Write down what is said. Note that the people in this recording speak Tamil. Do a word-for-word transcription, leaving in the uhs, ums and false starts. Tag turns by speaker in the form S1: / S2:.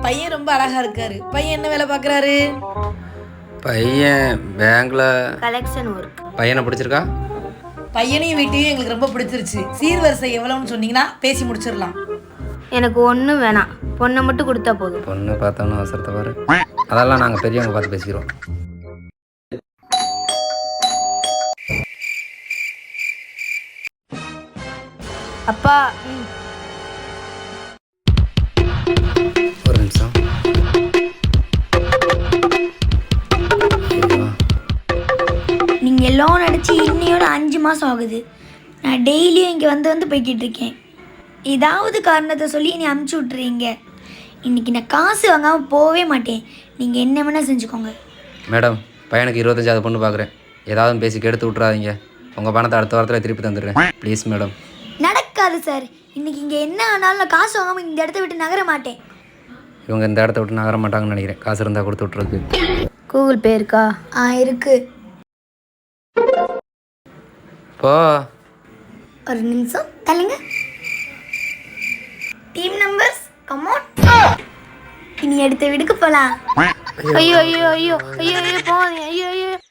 S1: பையன் ரொம்ப அழகா இருக்காரு. பையன் என்ன வேலை பார்க்குறாரு?
S2: பையன் பேங்க்ல
S3: கலெக்ஷன் ஒர்க்.
S2: பையனை பிடிச்சிருக்கா?
S1: பையனையும் வீட்டையும் எங்களுக்கு ரொம்ப பிடிச்சிருச்சு. சீர்வரிசை எவ்வளோன்னு சொன்னீங்கன்னா பேசி முடிச்சிடலாம்.
S3: எனக்கு ஒன்றும் வேணாம், பொண்ணை மட்டும் கொடுத்தா போதும்.
S2: பொண்ணு பார்த்தோன்னு அவசரத்தை பாரு. அதெல்லாம் நாங்கள் பெரியவங்க பார்த்து பேசிக்கிறோம்.
S3: அப்பா ம்.
S2: ஒரு நிமிஷம். ஐயோ,
S4: நீங்கள் லோன் அடித்து இன்னையோட அஞ்சு மாதம் ஆகுது. நான் டெய்லியும் இங்கே வந்து வந்து போய்கிட்டு இருக்கேன். ஏதாவது காரணத்தை சொல்லி நீ அமுச்சு விட்றீங்க. இன்றைக்கி நான் காசு வாங்காமல் போகவே மாட்டேன். நீங்கள் என்ன வேணால் செஞ்சுக்கோங்க.
S2: மேடம் பையனுக்கு இருபத்தஞ்சாவது பொண்ணு பார்க்குறேன். ஏதாவது பேசி கெடுத்து விட்றாதீங்க. உங்கள் பணத்தை அடுத்த வாரத்தில் திருப்பி தந்துடுறேன் ப்ளீஸ் மேடம்.
S4: நடக்காது சார். இன்றைக்கி இங்கே என்ன ஆனாலும் நான் காசு வாங்காமல் இந்த இடத்த விட்டு நகர மாட்டேன்.
S2: இவங்க இந்த இடத்த விட்டு நகர மாட்டாங்கன்னு நினைக்கிறேன். காசு இருந்தால் கொடுத்து விட்ருக்கு.
S3: கூகுள் பே இருக்கா?
S4: ஆ இருக்குது.
S2: போ.
S4: ஒரு நிமிஷம் தள்ளுங்க. Team numbers come on. இனி அடுத்த வீடுக்கு போகலாம்.
S3: ஐயோ ஐயோ ஐயோ ஐயோ ஐயோ போகாதீங்க. ஐயோ ஐயோ